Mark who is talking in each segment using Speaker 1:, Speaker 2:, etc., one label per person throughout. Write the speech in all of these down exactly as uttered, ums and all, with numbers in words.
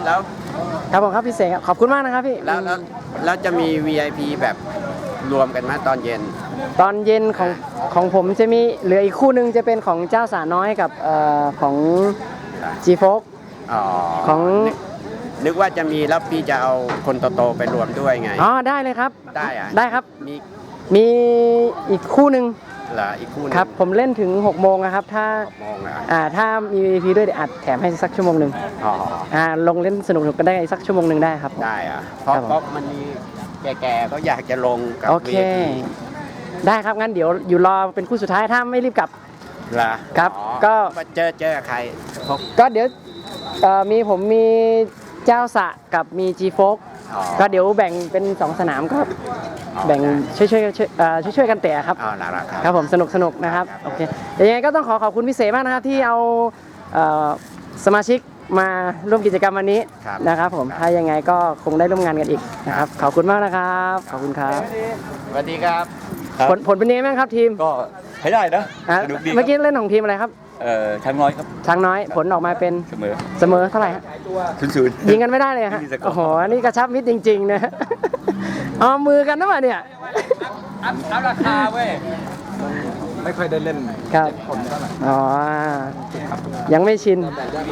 Speaker 1: แล้ว
Speaker 2: ครับผมครับพี่เสกขอบคุณมากนะครับพี่
Speaker 1: แล้วแล้วแล้วจะมี วี ไอ พี แบบรวมกันไหมตอนเย็น
Speaker 2: ตอนเย็นของของผมจะมีเหลืออีกคู่หนึ่งจะเป็นของเจ้าสาน้อยกับเอ่อของจีโฟกของ
Speaker 1: นึกว่าจะมีแล้วพี่จะเอาคนโตๆไปรวมด้วยไง
Speaker 2: อ๋อได้เลยครับ
Speaker 1: ได้อะ
Speaker 2: ได้ครับ
Speaker 1: มี
Speaker 2: มีอีกคู่หนึ่ง
Speaker 1: เหรออีกคู่นึง
Speaker 2: ครับผมเล่นถึงหกโมงนะครับถ้า
Speaker 1: โมงอ่ะ
Speaker 2: อ่าถ้ามี วี ไอ พี ด้วยเดี๋ยวอัดแถมให้สักชั่วโมงหนึ่ง
Speaker 1: อ๋อ
Speaker 2: อ่าลงเล่นสนุกๆกันได้สักชั่วโมงหนึ่งได้ครับ
Speaker 1: ได้อ่ะเพราะเพราะมันมีแก่ๆก็อยากจะลงกับ
Speaker 2: โอเคได้ครับงั้นเดี๋ยวอยู่รอเป็นคู่สุดท้ายถ้าไม่รีบกลับ
Speaker 1: เหรอ
Speaker 2: ครับก็
Speaker 1: เจอเจอใคร
Speaker 2: ก็เดี๋ยวมีผมมีเจ้าสะกับมีจีโฟกก็เดี๋ยวแบ่งเป็นสองสนามก็แบ่งช่วยช่วยช่วยช่วยช่วยกันเตะครับครับผมสนุกสนุกนะครับโอเคยังไงก็ต้องขอขอบคุณพี่เสมากนะครับที่เอาสมาชิกมาร่วมกิจกรรมวันนี้นะครับผมถ้ายังไงก็คงได้ร่วมงานกันอีกนะครับขอบคุณมากนะครับขอบคุณครับ
Speaker 1: สวัสดีครับ
Speaker 2: ผลผลเป็นยังไงบ้างครับทีม
Speaker 3: ก็ใช้ได้นะ
Speaker 2: เมื่อกี้เล่นของทีมอะไรครับ
Speaker 3: เอ่อช้างน้อยครับ
Speaker 2: ช้างน้อยผลออกมาเป็น
Speaker 3: เสมอ
Speaker 2: เสมอเท่าไหร่ฮะ
Speaker 3: ศูนย์ศูนย์
Speaker 2: ยิงกันไม่ได้เลยฮะโอ้โหนี่กระชับมิตรจริงๆนะเอามือกันนะมาเนี่ย
Speaker 3: อัพราคาเว้ยไม่ค่อยได้เล่น
Speaker 2: ครับอ๋อยังไม่ชิน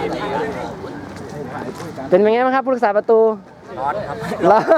Speaker 2: เป็นยังไงบ้างครับผู้รักษาประตู
Speaker 3: ร้อนครับ
Speaker 2: ร้อน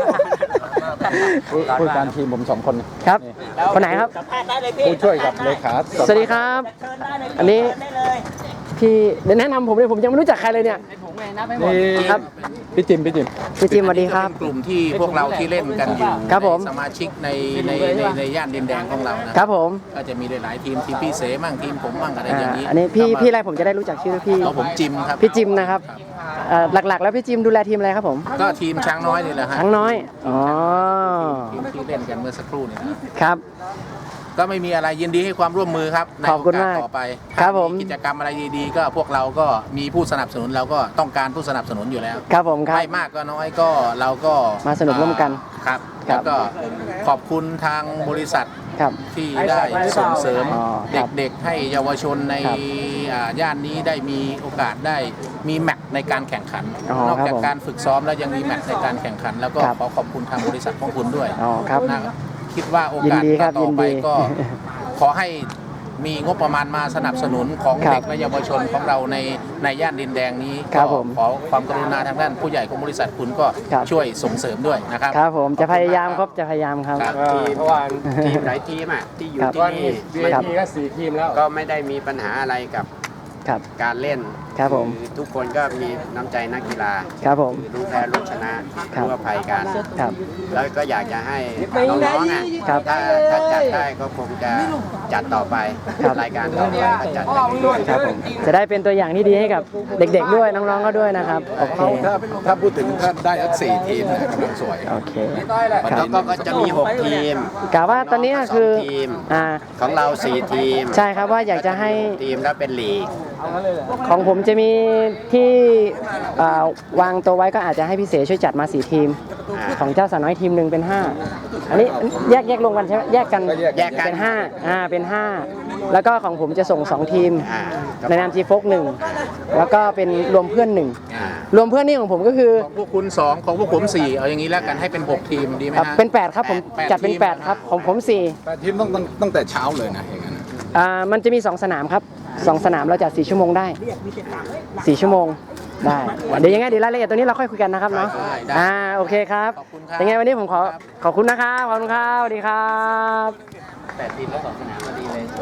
Speaker 3: ผู้การทีมผมสองคน
Speaker 2: ครับคนไหนครับ
Speaker 3: ผู้ช่วยกับเลขา
Speaker 2: สวัสดีครับอันนี้พี่เดี๋ยวแนะนำผมเลยผมยังไม่รู้จักใครเลยเนี่ย
Speaker 3: นี่ครับพี่จิมพี่จิม
Speaker 2: พี่จิมสวัสดีครับ
Speaker 4: กลุ่มที่พวกเราที่เล่นกันอยู่
Speaker 2: ครับผม
Speaker 4: สมาชิกในในในในย่านดินแดงของเรานะครับ
Speaker 2: ผม
Speaker 4: ก็จะมีหลายทีมทีมพี่เสมั่งทีมผมมั่งอะไรอย่างนี้
Speaker 2: อันนี้พี่พี่อะไรผมจะได้รู้จักชื่อพี่
Speaker 4: ผมจิมครับ
Speaker 2: พี่จิมนะครับหลักๆแล้วพี่จิมดูแลทีมอะไรครับผม
Speaker 4: ก็ทีมช้างน้อยนี่แหละฮะ
Speaker 2: ช้างน้อยอ๋อ
Speaker 4: ทีมที่เล่นกันเมื่อสักครู่นี้
Speaker 2: ครับ
Speaker 4: ก็ไม่มีอะไรยินดีให้ความร่วมมือครับในโอกาสต่อไป
Speaker 2: ครับผม
Speaker 4: กิจกรรมอะไรดีๆก็พวกเราก็มีผู้สนับสนุนเราก็ต้องการผู้สนับสนุนอยู่แล้ว
Speaker 2: ครับผมครับ
Speaker 4: ไม่มากก็น้อยก็เราก็
Speaker 2: มาสนุกร่วมกัน
Speaker 4: ครับแล้วก็ขอบคุณทางบริษัทที่ได้ส่งเสริมเด็กๆให้เยาวชนในย่านนี้ได้มีโอกาสได้มีแมตช์ในการแข่งขันนอกจากการฝึกซ้อมแล้วยังมีแมตช์ในการแข่งขันแล้วก็ขอขอบคุณทางบริษัทของคุณด้วยนะคิดว่าโอกาสต่อไปก็ขอให้มีงบประมาณมาสนับสนุนของเด็กและเยาวชนของเราในในย่านดินแดงนี้ก็ขอความกรุณาทางด้านผู้ใหญ่ของบริษัทคุณก็ช่วยส่งเสริมด้วยนะครับ
Speaker 2: ครับผมจะพยายามครับจะพยายามครับ
Speaker 1: เพราะว่าทีมหลายทีมอ่ะที่อยู่ที่นี่
Speaker 3: มีก็สี่ทีมแล้ว
Speaker 1: ก็ไม่ได้มีปัญหาอะไรกับการเล่น
Speaker 2: ครับผม
Speaker 1: ทุกคนก็มีน้ำใจนักกีฬา
Speaker 2: ครับผม
Speaker 1: รู้แพ้รู้ชนะรู้อภัยกัน
Speaker 2: ครับ
Speaker 1: แล้วก็อยากจะให้น้องๆอ่ะถ้าถ้าจัดได้ก็คงจะจัดต่อไปรายการต่อไปก็จัด
Speaker 2: ครับผมจะได้เป็นตัวอย่างที่ดีให้กับเด็กๆด้วยน้องๆก็ด้วยนะครับโอเค
Speaker 3: ถ้าถ้าพูดถึงถ้าได้สักสี่ทีมเนี่ยกำลังสวย
Speaker 2: โอเค
Speaker 1: แล้วก็จะมีหกทีม
Speaker 2: กะว่าตอนนี้คือ
Speaker 1: อ่าของเราสี่ทีม
Speaker 2: ใช่ครับว่าอยากจะให้
Speaker 1: ทีมแล้วเป็นลีก
Speaker 2: ของผมจะมีที่วางตัวไว้ก็อาจจะให้พี่เสช่วยจัดมาสี่ทีมของเจ้าสาวน้อยทีมหนึ่งเป็นห้าอันนี้แยกแยกลงกันใช่ไหมแยกกัน
Speaker 1: แยกกัน
Speaker 2: เป็นห้าอ่าเป็นห้าแล้วก็ของผมจะส่งสองทีมในนามจีโฟกหนึ่งแล้วก็เป็นรวมเพื่อนหนึ่งรวมเพื่อนนี่ของผมก็คือ
Speaker 4: ของพวกคุณสองของพวกผมสี่เอาอย่างนี้แล้วกันให้เป็นหกทีมดีไหมฮะ
Speaker 2: เป็นแปดครับผมจัดเป็นแปดครับของผมสี่
Speaker 3: แปดทีมต้องตั้งแต่เช้าเลยนะอย่างนั้น
Speaker 2: อ่ามันจะมีสองสนามครับสองสนามเราจัดสี่ชั่วโมงได้สี่ชั่วโมงได้เดี๋ยวยังไงเดี๋ยวรายละเอียดตัวนี้เราค่อยคุยกันนะครับเนาะอ่าโอเคครับยังไงวันนี้ผมขอขอบคุณนะครับขอบคุณครับสวัสดีครับ
Speaker 1: แปดทีมแล้วสองสนามพอดีเลย